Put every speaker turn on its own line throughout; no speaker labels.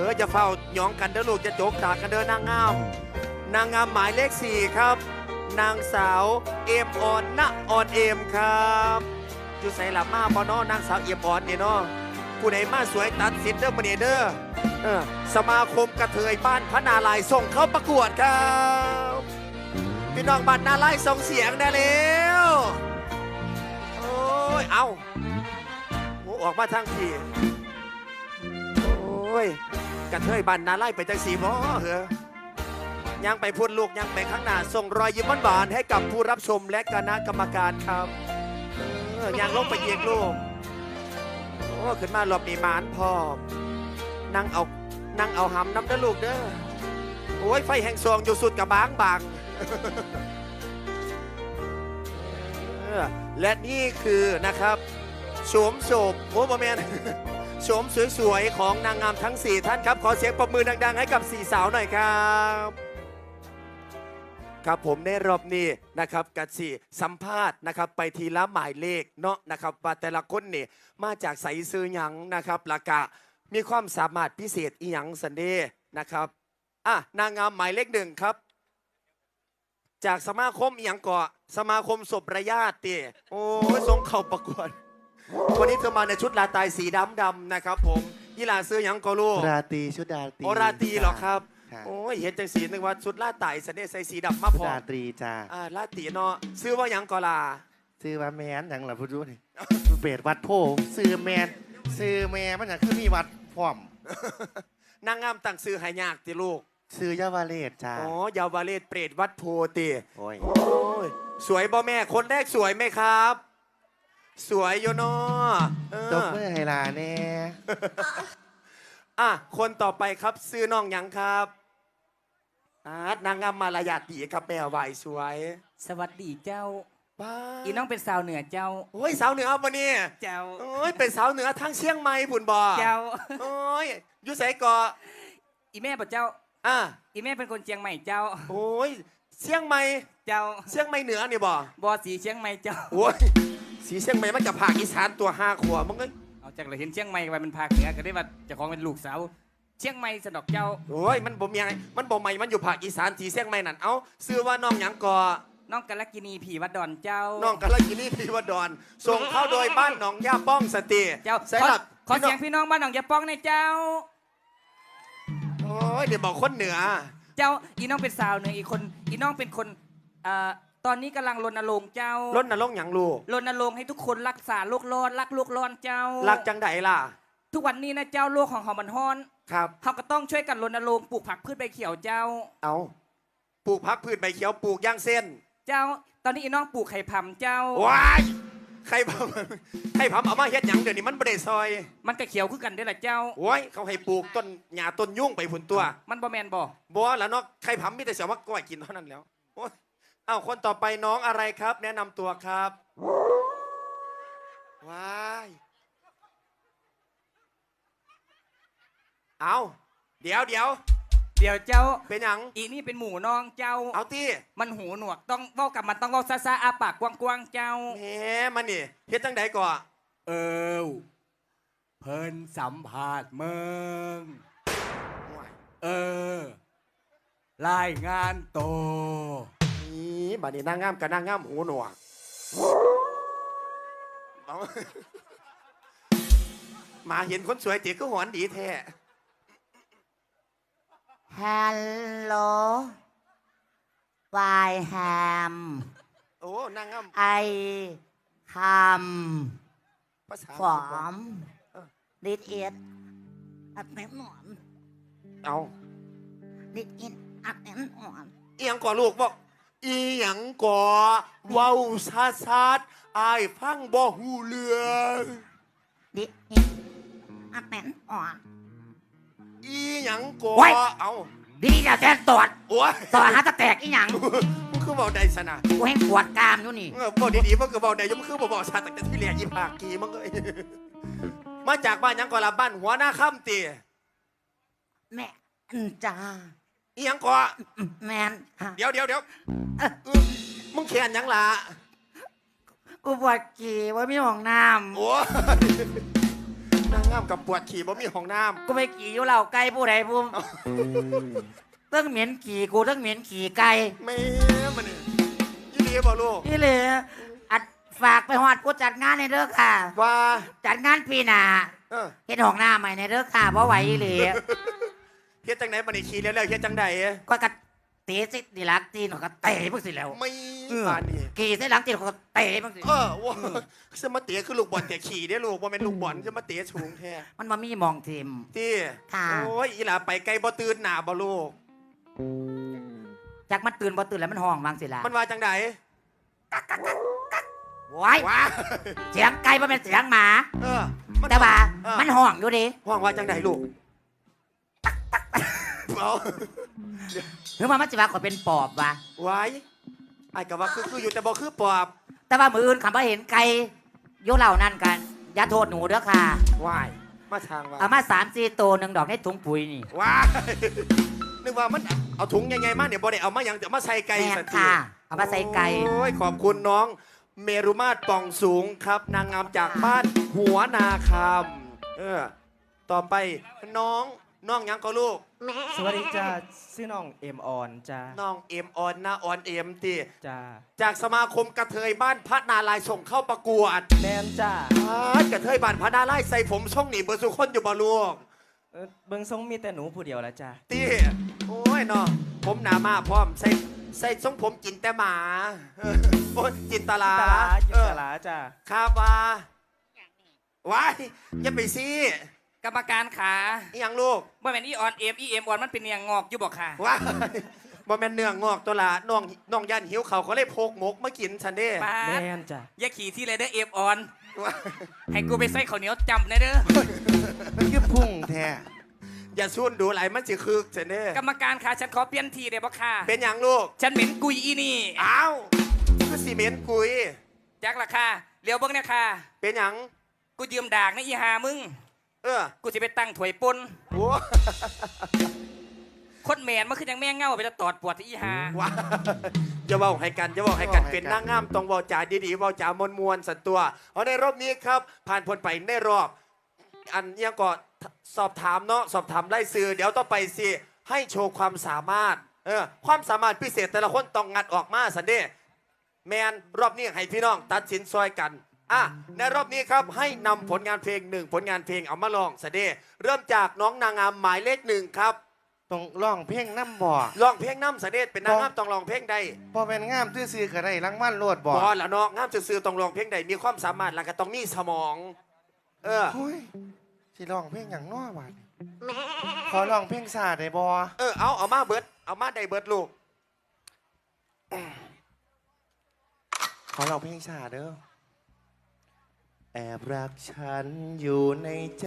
จะเฝ้าหยองกันเด้อลูกจะโจกตากันเด้อนางงามนางงามหมายเลข4ครับนางสาวเอมออนณออนเอมครับอยู่ใส่หลับมาบ่เนาะนางสาวเอมออนนี่เนาะผู้ใดมาสวยตัดสินเด้อมื้อนี้เด้อสมาคมกระเทยบ้านพระนารายณ์ส่งเข้าประกวดครับพี่น้องบ้านนารายณ์ส่งเสียงได้แล้วโอ้ยเอาโอ้ออกมาทางทีโอ้ยกระเทยบ้านนารายณ์ไปจังสีบ่เหรอยังไปพูดลูกยังไปข้างหน้าส่งรอยยิ้มหวานๆให้กับผู้รับชมและคณะกรรมการครับยังลงไปเยียงลูกโอ้ขึ้นมารอบนี้หมานพร้อมนั่งเอาหำน้ำเด้อลูกเด้อโอ้ยไฟแห่งซองอยู่สุดกับบางและนี่คือนะครับโฉมโอ้บอแมนโฉมสวยๆของนางงามทั้ง4ท่านครับขอเสียงปรบมือดังๆให้กับ4สาวหน่อยครับครับผมในรอบนี้นะครับกัดสัมภาษณ์นะครับไปทีละหมายเลขเนาะนะครับว่าแต่ละคนนี่มาจากใสซื้อหยังนะครับละกะมีความสามารถพิเศษอีหยังสันเดนะครับนางงามหมายเลข1ครับจากสมาคมอีหยังเกาะสมาคมศพระญาติโอ้ยทรงเข่าประกวดวันนี้เธอมาในชุดลาตายสีดำนะครับผมยี่ลาซื้อหยังก็ลูก
ราตรีชุดราตรี
โอราตรีเหรอครับโอ้ยเห็นจังสีนึกว่าชุดลาตายสันเดใส่สีดำมาพอ
ราตรีจ้า
ลาตรีเนาะซื้อว่าหยังก็ลา
ซื้อว่าแมนอย่างหล่ะพูดรู้นี่เบดวัดโพซื้อแมนมันอย่างคือมีวัดพร้อม
นางงามตั้งซื้อหายากติลูก
ซื้อยาวาเลศจ้า
อ๋อยาวาเลศเปรตวัดโพติ
โอ้
ยสวยบ่แม่คนแรกสวยไหมครับสวยโยน
ตบมือไฮลาแน่
คนต่อไปครับซื้อน้องหยังครับนางงามมารยาทดีครับแม่ไหวสวย
สวัสดีเจ้า
บ้า
อีน้องเป็นสาวเหนือเจ้า
โอ้ยสาวเหนือปะเนี่ย
เจ้า
โอ้ยเป็นสาวเหนือทั้งเชียงใหม่ผุนบ่
เจ้า
โอ้ยอยู่ไสกอ
อีแม่ป่ะเจ้าอีแม่เป็นคนเชียงใหม่เจ้า
โอ้ยเชียงใหม่
เจ้า
เชียงใหม่เหนือนี่บ่
สีเชียงใหม่เจ้า
โอ้ยสีเชียงใหม่มันกับภาคอีสานตัว5 ขวบมึงเอ้ย
เอาจากเราเห็นเชียงใหม่ไปมันภาคเหนือก็ได้ว่าเจ้าของเป็นลูกสาวเชียงใหม่สนอกเจ้า
โอ้ยมันบ่มีอะไรมันบ่ใหม่มันอยู่ภาคอีสานสีเชียงใหม่นั่นเอาซื้อว่าน้องหยังกอ
น้องกาลกินีผีวัดดอนเจ้า
น้องกาลกินีผีวัดดอนส่งเข้าโดยบ้านหนองย่าป้องสติ
เจ้าขอเสียงพี่น้องบ้านหนองย่าป้องในเจ้า
โอ้ยเดี๋ยวบอกคนเหนือ
เจ้าอีน้องเป็นสาวเหนืออีกคนอีน้องเป็นคนตอนนี้กำลังรณรงค์เจ้าร
ณรงค์หยังลูก
รณรงค์ให้ทุกคนรักษาโลกร้อนรักโลกร้อนเจ้า
รักจังไดล่ะ
ทุกวันนี้นะเจ้าโลกของเขามันฮ้อน
ครับ
เขาก็ต้องช่วยกันรณรงค์ปลูกผักพืชใบเขียวเจ้า
เอาปลูกผักพืชใบเขียวปลูกย่างเส้น
เจ้าตอนนี้อีน้องปลูกไข่ผำเจ้า
ว้ายไข่ผำเอามาเฮ็ดหยังเดี๋ยวนี้มันบ่ได้ซอย
มันก็เขียวคือกันได้แหละเจ้า
โอ้ยเขาให้ปลูกต้นหญ้าต้นยุ่งไปผุนตัว
มันบ่แมนบ่
แล้วเนาะไข่ผำมีแต่เสียวว่าก้อยกินเท่านั้นแล้วโอ้ยคนต่อไปน้องอะไรครับแนะนำตัวครับว้ายเดี๋ยว
เจ้า
เป็นหยัง
อีนี่เป็นหมูน้องเจ้า
เอาที่
มันหูหนวกต้องเว้ากับมันต้องเว้าซ่าอาปากกว้างๆเจ้า
แหมมันนี่เฮ็ดจังไดก่อ
เพิ่นสัมภาษณ์เมืองรายงานโต
นี่บัดนี้นางงามกับนางงามหูหนวกมาเห็นคนสวยตีก็หอนดีแท้
ฮัลโหลวายแฮม
โอ้นางงาม
ไอคำฝอมดิดเอ็ดอัดแน่นอนดิดเอ็ดอัดแน่นอน
อีหยังก่อลูกบอกอีหยังก่อเว้าชัดอายฟังบ่หูเรื่อง
ดิดเอ็ดอัดแน่นอน
อีหยังก่อ
ดีจะแจ้งตรวจตรวจหาตะแตกอีหยัง
มึงคือเบาใดสนะ
กูให้ปวดกรามอยู่นี่
เบาดีๆมึงคือเบาใดมึงคือเบาชาตั้งแต่ที่เรียนยี่ปากกีมึงเลยมาจากบ้านยังก่อละบ้านหัวหน้าค่ำตี
แม่จ้า
อีหยังก่อ
แมน
เดี๋ยวมึงแขนยังล่ะ
กูปวดกีว่ามีห้องน้
ำโอ้นางงามกับปวดขี่บ่มีห้องน้
กูไปขี่อยู่เหล่าไก่ผู้ใดผู้ตั้งเหม็นขี่กูตั้งเหม็นขี่ไก่
ำแม่มันนี่ยี่ดีบ่ลูก
นี่เลยอัดฝากไปหอดผู้จัดงานในเด้อค่ะ
ว่า
จัดงานปีหน้า
เออ
เฮ็ดห้องน้ำใหม่ในเด้อค่ะเพราะไหวอีหลี
เฮ็ดจังไหนบัดนี้ขี่แล้วเฮ็ดจังใด
ก็กระเตะสิดีลักตีนก็เตะพวกสิแล้ว
ไม่ป่านนี้
ขี่ใส่หลังตีนก็เตะพวกสิ
ว่าจะมาเตะคือลูกบอลแต่ขี่ได้ลูกว่าเป็นลูกบอลจะมาเตะสูงแท้
มันมามีมองทีม
ที่
ค่ะ
โอ้ยอีหล่าไปไกลบ่ตื่นหน้าบ่ลูก
จากมันตื่นบ่ตื่นแล้วมันห้องวางสิล่ะ
มันว่าจังใด
ว้าย
ว้า
เสียงไก่บ่เป็นเสียงหมา
เออ
แต่ว่า
เออ
มันห้องอยู่ดิ
ห้องว่าจังใดลูกเอา
หรือว่ามันสิว่าก็เป็นปอบวะ
ไว้ไอ้ก็ว่าคืออยู่แต่บ่คือปอบ
แต่ว่ามืออื่นคำว่าเห็นไก่โยเหล่านั่นกันอย่าโทษหนูเด้อค่ะ
วายมาทางว่า
เอามา3-4ตัวหนึ่งดอกในถุงปุ๋ยนี่
ว้ายนึกว่ามันเอาถุงยังไงมาเนี่ยบ่ได้เอามาหยังจะมาใส่ไก่
แม่น
สักที
ค่ะ เอามาใส่ไก่
โอ้ยขอบคุณน้องเมรุมาตรป่องสูงครับ นางงามจากบ้านหัวนาคำต่อไปน้องหยังก็ลูก
สวัสดีจ้าชื่อน้องเอ็มออนจ้า
น้องเอ็มออนนะออนเอ็มตี
จ้า
จากสมาคมกระเทยบ้านพระนารายณ์ส่งเข้าประกวด
แมนจ้าก
ระเทยบ้านพระนารายณ์ใส่ผมช่องหนีเบอร์สุคนอยู่บ่ลูก
เบิ้งทรงมีแต่หนูผู้เดียวแล้วจ้า
ตีโอ้ยเนาะผมหนามาพร้อมใส่ทรงผมกินแต่หมาโอ้ยกินตาลา
จินตลาจ้า
ครับว่าว้ายอย่าไปสิ
กรรมการขา
อหยังลูก
บ่แม่นอีออนเอ็มออนมันเป็นเนียงงอกอยู่บอกค่ะ
ว้ายบ่แม่นเนื้องอกตัวละน้องยันหิวเขาก็เลยพกหมกมากินฉันเด้
ป้า
แม
ด
นจ้า
อย่าขี่ที่ไรเด้อเอ็มออน
ว้าย
ให้กูไปใส่ข้าวเหนียวจำนะเด้อ
มันคือพุ่งแท้
อย่าซุ่นดูไหลมันสิคึกฉันเด้
กรรมการขาฉันขอเปลี่ยนทีได้บ่ค่ะ
เป็นหยังลูก
ฉันเหม็นกุยอีนี่
อ้าวคือซีเมนต์กุย
จักราคาเลี้ยวเบิ้งเนี่ยค่ะ
เป็นหยัง
กูยืมดากนะอีหามึง กูจะไปตั้งถวยปน
โอ้
คนแมนมันคือยังแม่งเง่าไปจะตอดปวดที่อีหา
ว้าจะบอกให้กันเป็นนางงามต้องเว้าจาดีๆเว้าจามวลๆสันตัวเอาในรอบนี้ครับ ผ่านพ้นไปในรอบ อันยังก็สอบถามเนาะสอบถามไล่ซื้อเดี๋ยวต่อไปสิให้โชว์ความสามารถความสามารถพิเศษแต่ละคนต้องงัดออกมาสันเดแมนรอบนี้ให้พี่น้องตัดสินซอยกันในรอบนี้ครับให้นำผลงานเพลง1ผลงานเพลงเอามาลองสันเดเริ่มจากน้องนางงามหมายเลข1ครับ
ต้องร้องเพลงน้ำบ่อ
ลองเพลงน้ำสันเดเป็นนางงามต้องลองเพลงใด
พอเป็นงามซื่อๆก็ได้รางวัลโลดบ่
บอแล้วเนาะงามซื่อๆต้องลองเพลงใดมีความสามารถแล้วก็ต้องมีสมอง
โอ้ยสิร้องเพลงอย่างน้อวะขอร้องเพลงซาได้บ่
เอามาเบิดเอามาได้เบิดลูก
ขอร้องเพลงซาเด้อแอบรักฉันอยู่ในใจ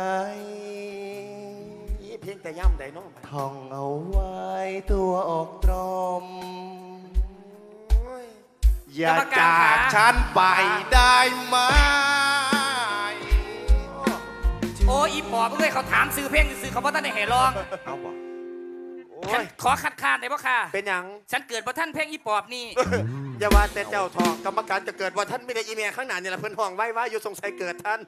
นี่เพลงแต่ย่ำได้เน้อง
ท่องเอาไว้ตัวอกตรม อย่าจากฉันไปได้ไหม
โอ้อีปอบมึงเลยเขาถามซื้อเพลงซื้อเขาบ่ทันได้ให้ร้อง
เอาบ่
โอ้
ฉัน
ย
ขอคัดค้านได้บ่ค่ะ
เป็นหยัง
ฉันเกิดบ่ทันเพลงอีปอบนี่
อย่าว่าแต่เจ้าทองกรรมการจะเกิดว่าท่านไม่ได้อีเมลข้างหน้านี่แหละเพื่อนห้องไว้ว่าอยู่สงสัยเกิดท่าน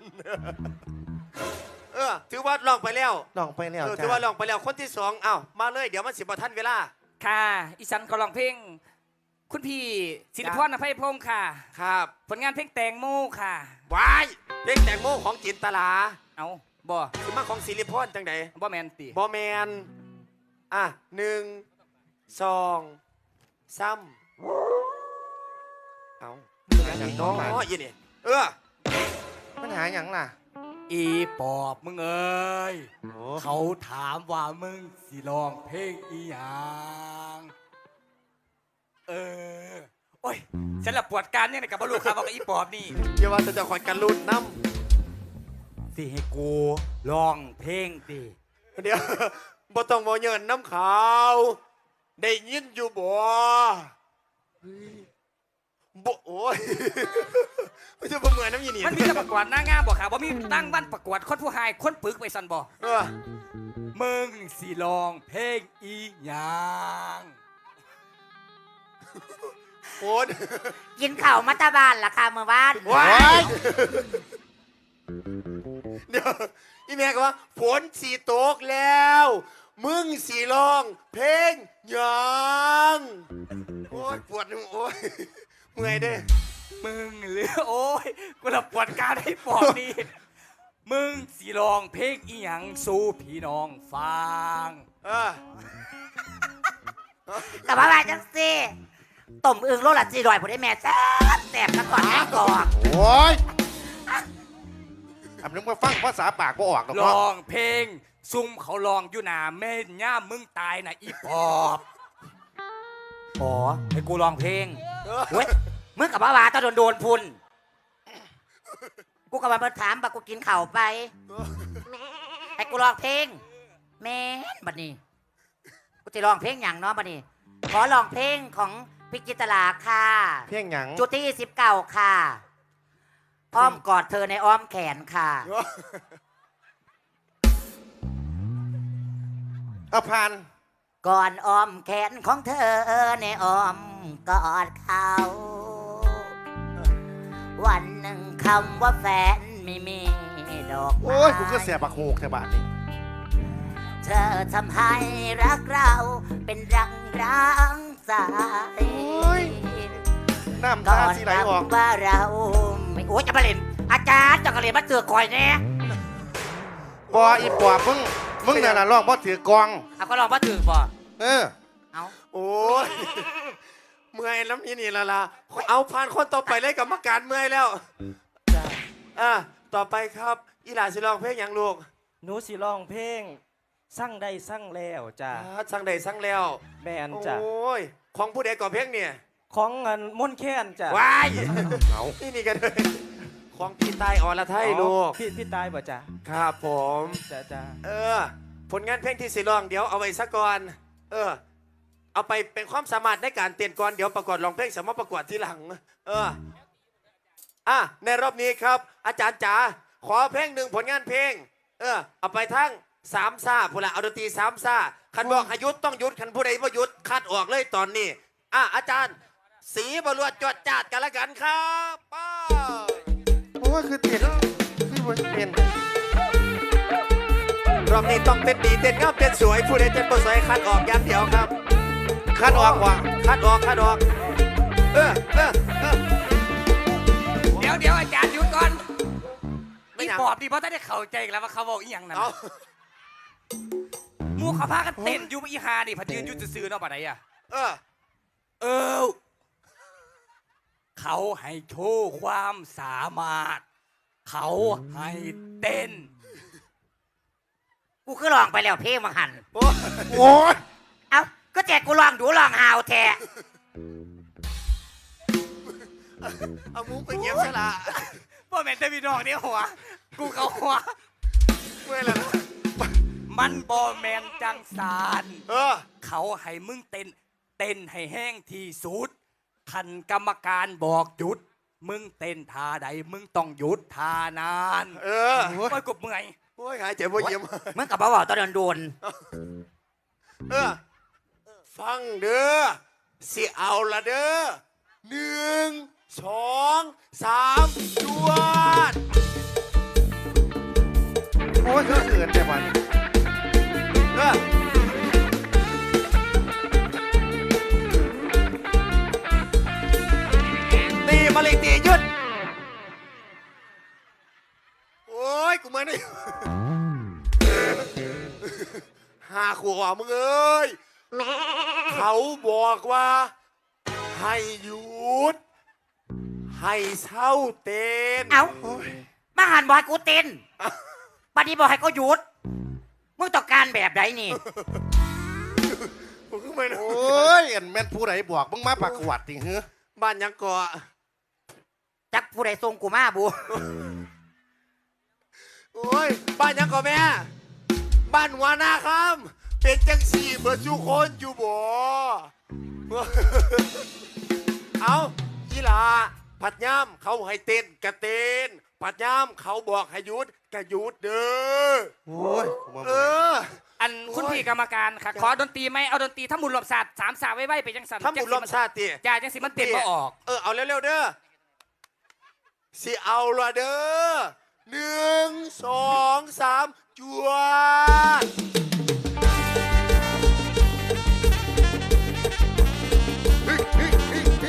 ถือว่าลองไปแล้ว
ร้องไปแล้ว
ถื
จ้า
อว่าลองไปแล้วคนที่2เอ้ามาเลยเดี๋ยวมันสิบ่ท่านเวลา
ค่ะ อีฉันก็ร้องเพลง คุณพี่ศิริพรอภัยพงศ์ค่ะ
ครับ
ผลงานเพลงแตงโมค่ะ
วายเพลงแตงโมของจินตลา
เอาบ่
คือมาของศิริพรจังได
บ่แมนติ
บอแมน1 2 3เอาอย่างน้อยยี่นี่
ปัญหาอย่างล่ะ
อีปอบมึงเอ้ย
โอ้
เขาถามว่ามึงสิร้องเพลงอีหยัง โอ้ย ฉันละปวดการเนี่ยกับบลูกครับบอกกับอีปอบนี่
อย่าว่าจะคอยกันรุ่นน้
สิให้กูร้องเพลงติ
ำเดี๋ยว บ่ต้องบ่เยินน้ำขาวได้ยินอยู่บ่บ่โอ้ย ไม่ใช่บ่เหมือนน้ำยีนี่
มันมีแต่ประกวดหน้างามบอกค่ะว่ามีตั้งวันประกวดคนผู้หายคนปึกไปสันบอก มึงสิร้องเพลงอีหยัง
โอ้ย
กินข้าวมัตตาบานล่ะค่ะเมื่อวาน
ว้ายดี๋ยวอีแม่ก็ว่าฝนสีตกแล้ว มึงสีลอง เพลงหยังโอ้ยปวดหัวโอ้ยเมื่อยเด้
มึงหรือโอ้ยกูละปวดการให้ปอดนี่มึงสิลองเพลงอีหยังสู่พี่น้องฟัง
แต่ว่าว่าจังสิต้มอึ่งโลละ400ผู้ได้แม่แซ่บแซ่บกันก่อนแม่กอก
โอ้ยอันนึงมาฟังภาษาปากก็ออกหรอก
ล
เนาะ
องเพลงซุ่มเขาลองอยู่หนาเม่นย่ามมึงตายนะอีปอบ
อ๋อให้กูลองเพลงเว้ยมึงกับว่าตาโดนพุ่นกูกับมาถามบักกูกินข้าวไปให้กูลองเพลงแม่นบัดนี้กูจะลองเพลงอย่างเนาะบัดนี้ ขอลองเพลงของพิจิตราค่ะ
เพียงหยัง
จุดที่19ค่ะอ้อมกอดเธอในอ้อมแขนค่ะ
เอาผ่าน
ก่อนอ้อมแขนของเธอในอ้อมกอดเขา วันหนึ่งคำว่าแฟนไม่มีดอกไม้
โอ้ยกูก็เสียบักโหกแถวบ้านนี่
เธอทำให้รักเราเป็นรังร้างสาย
น้ำ
ก่
ตา
อน
สีไหลออก
คำว่าเราไม่โอ้ยจะมาเล่นอาจารย์จะมาเล่นมาเตือคอยแน่
บออีปอบมึงน่ะนะร้องบ่ถือกอง
เอาก็ลองมาถือบ่
เออ
เอา
โอ้ยเมื่อยแล้วนี่ละล่ะเอาผ่านคนต่อไปเลยกรรมการเมื่อยแล้ว
จ้า
ต่อไปครับอีหลาสิลองเพลงหยังลูก
หนูสิร้องเพลงสั่งได้สั่งแล้วจ้า
สั่งใดสั่งแล้ว
แมนจ้า
โอ้ยของผู้ใดก่อเพลงเนี่ย
ของเงินม่วนแค้นจ้า
ว้าย
เอา
นี่กันเลยของพี่ใต้อรไทยลูก
พี่ตายบ่จ้า
ครับผม
จ้า
ผลงานเพลงที่สิลองเดี๋ยวเอาไว้ซะก่อนเอาไปเป็นความสามารถในการเต้นก่อนเดี๋ยวประกวดร้องเพลงสามารถประกวดทีหลังในรอบนี้ครับ อาจารย์จ๋าขอเพลงหนึ่งผลงานเพลงเอาไปทั้งสามซ่าผู้ละเอาดนตรีสามซ่าคันบอกให้หยุดต้องหยุดคันผู้ใดว่าหยุดคัดออกเลยตอนนี้อาจารย์สีบรวดจวดจาดกันละกันครับป้า
โอ้ยคือเต้นคือบ่เต้น
รอบนี้ต้องเต้นดีเต้นงามเต้นสวยผู้ใดเต้นบ่สวยคัดออกอย่างเดียวครับ
คัดออกว่ะ
คัดออกเออ
เดี๋ยวอาจารย์หยุดก่อน
ไม่
อี
อยาก
ปอบดีเพราะถ้าได้เข้าใจกันแล้วว่าเขาบอกอีหยังนั่น
เอา
หมูเขาพากันเต้นอยู่อีหาดิพัดยืนอยู่ซื่อๆเนาะปะไหนอ่ะ เออ เขาให้โชว์ความสามารถ เขาให้เต้น
กูคือลองไปแล้วเพลงมาหัน
โอ้ย
เอาก็แจกกูลองดูลองหาวแท้
เอามุ้งไปเก็บซะละ
พ่อแม่จะมีน้องเนี่ยหัว กูเขาหัว
เมื่อยแล้วนะ
มันบอแมนจังสาร เขาให้มึงเต้นให้แห้งที่สุดคันกรรมการบอกหยุด มึงเต้นท่าใดมึงต้องหยุดท่านาน
โอ้
โอ้ยกบเมื่อย
โอ้ยหายใจบ่เยี่ยม
มึงกับบ่าวตอนโดน
ฟังเด้อสิเอาละเด้อ1 2 3จวด
โอ้ยคือเกินแต่วัน
ตีมาเลยตีหยุดโอ้ยกูมานี่5 ขวบมึงเอ้ยเขาบอกว่า ให้หยุด ให้เศร้าเต้น
เอามาหันบอยกูเต้นบัดนี้บอกให้กูหยุด มึงต้องการแบบไหนนี่
ผมขึ้นมา
โอ้ยอันแม่นผู้ใดบอกมึงมาประกวดติเหรอ
บ้านยังเกาะ
จักผู้ใดส่งกูมาบู
โอ้ยบ้านยังเกาะแม่ บ้านหัวหน้าคำเป็นจังสี่เบอร์ทุกคนอยู่บ่ เอายีหลาผัดย่ำเขาให้เต้นกะเต้นผัดย่ำเขาบอกให้หยุดกะหยุดเด้อ
โอ้ยกูมา
เออ
อันคุณพี่กรรมการค่ะ ขอดนตรีไหมเอาดนตรีถ้าหมุนรอบศาสตร์สามสาวไว้ไปจังสัน
ถ้าหมุนลมชาติ
จ่าจังสิมันเต้นมาออก
เอาเร็วๆเด้อสิเอาละเด้อ 1 2 3จวดเฮ้ยเฮ้ยเฮ้ยเฮ้ย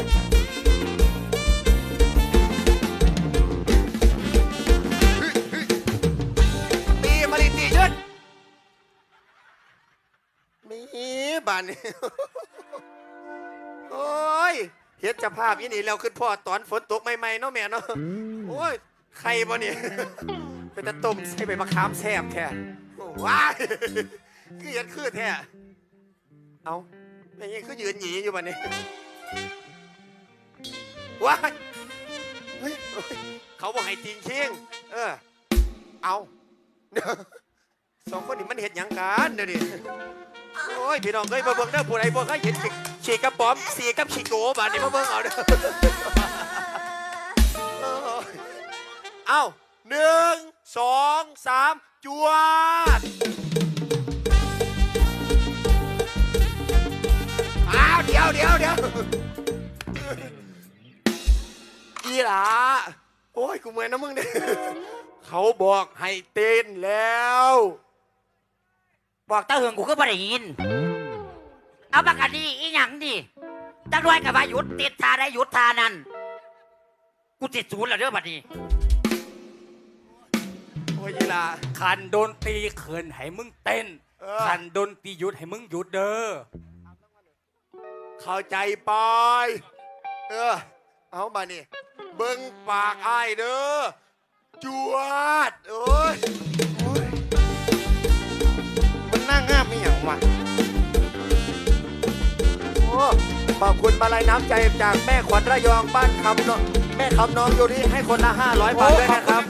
ตีมาดิตียืดมีบ้านนี่ โอ้ยเฮ็ดเจะภาพอีนี่แล้วขึ้นพ่อตอนฝนตกใหม่ๆเนาะแม่เนาะโอ้ยใครบ่เนี่ยเป็นตะต้มใส่ใบมะขามแซ่บแท้ว้ายคือเฮ็ดคือแท้เอาแม่ยังคือยืนหยีอยู่บ่เนี่ยว้ายเฮ้ยเขาบอกให้ติงเชียงเอาสองคนนี้มันเฮ็ดหยังกันเดี๋ยวนี้โอ้ยพี่น้องเอ้ยมาเบิ่งเด้อผู้ใดบ่เคยเห็นฉีกกระป๋อมสีกับฉีกโกบาดนี้มาเบิ่งเอาเด้อเอา1 2 3จวดอ้าวเดี๋ยวอีหลาโอ้ยกูเมื่อยนะมึงเนี่ยเขาบอกให้เต้นแล้ว
บอกตาเหืองกูก็บ่ได้ยิน เอาบักอันนี้อีหยังดิจักรวยกับว่าหยุดติดทาได้หยุดทานั่นกูติดศูนย์แล้วเด้อบัดนี้
โอ้ยอีหลา
คันโดนตีเขินให้มึงเต้น คันโดนตีหยุดให้มึงหยุดเด้อ
เข้าใจปอยเอามานี่เบิ่งปากอ้ายเด้อจวดโอ้ย
มันน่างามไม่อย่างวะ
โอ้ขอบคุณมาลัยน้ำใจจากแม่ขวัญระยองบ้านคำน้องแม่คำน้องโยนี่ให้คนละ500 บาทด้วยนะครับ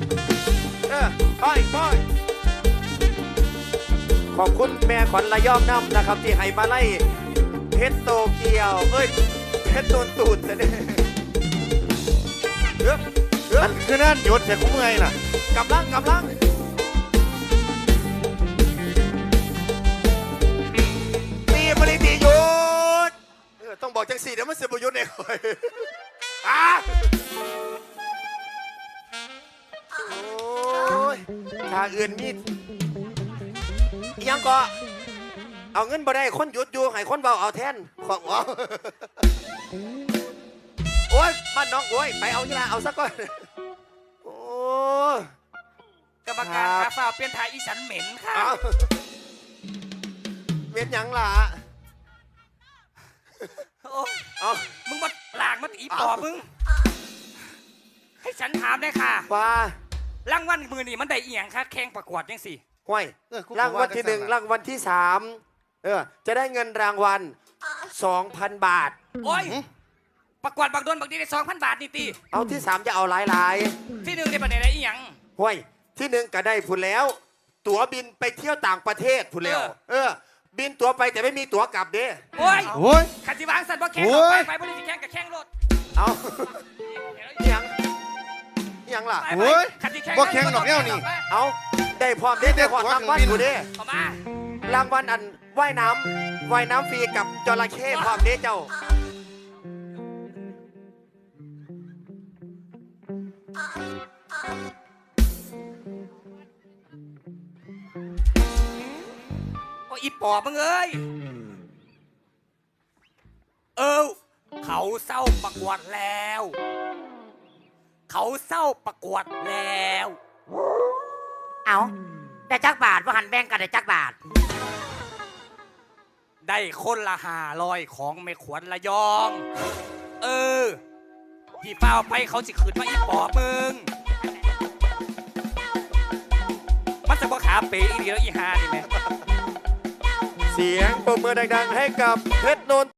ไปขอบคุณแม่ขวัญระยองน้ำนะครับที่ให้มาไล่เพชรโตเกียวเพชรโดนตูดจะได้
มันคือนั่นหยุดแต่กูเมื่อยน่ะ
กำลังตีบริตีหยุดต้องบอกจังสี่เดี๋ยวมันเสียประโยชน์ในคอยโอ้ยถ้าอื่นมียังก็เอาเงินบ่ได้คนหยุดอยู่ให้คนเบาเอาแทนของโอ้ยบ้านน้องโอ้ยไปเอาที่ละเอาสักก้อนโอ้
กรรมการคาฟ้าเปลี่ยนทายอีสันเหม็นค่ะ
เอาเม็ดหยังล่ะ
โอ้ย
เอา
มึงมาหลากมาตีปอบมึง ให้ฉันถามได้ค่ะ
ว่าร
างวัลมือนี่มันได้อีหยังคะแข่งประกวดยังสิ
ห้วยรางวัลที่1รางวัลที่3จะได้เงินรางวัล 2,000 บาท
โอ้ย ประกวดบักโดนบักดีได้2,000 บาทนี่ตี
เอาที่3จะเอาหลาย
ที่หนึ่งได้ประเด็นอะไรอีหยัง
ๆห้วยที่1ก็ได้ผุนแล้ว ตั๋วบินไปเที่ยวต่างประเทศผุนแล้วบินตั๋วไปแต่ไม่มีตั๋วกลับเด้
โอ้ย
โอ้ย
ขันสิวางสันบ่แข่ง
โอ้ย
ไปบริสิแข่งกับแข่งรถ
เอาอิหยังล่ะ
ไป
โอ้ย
ขันสิแข่ง
บ่แข่งดอกแนวนี่
เอาได้พร้อมได้พร้อมรางวัลอยู่เด้
เข้ามาร
างวัลอันว่ายน้ำฟรีกับจระเข้พร้อมเด้เจ้า
โอ้ยอีปอบมึงเอ้ยเขาเศร้าประกวดแล้ว เขาเศร้าประกวดแล้ว
เอาได้จักบาทว่าหันแบ่งกันได้จักบาท
ได้คนละ500ของแม่ขวัญระยอง ที่เป้าไปเขาสิขืนมาอีปอบมึง มันจะบ่ขาเป๋อีเดียวอีหานี่แม่
เสียงปรบมือดังๆให้กับเพชรนนท์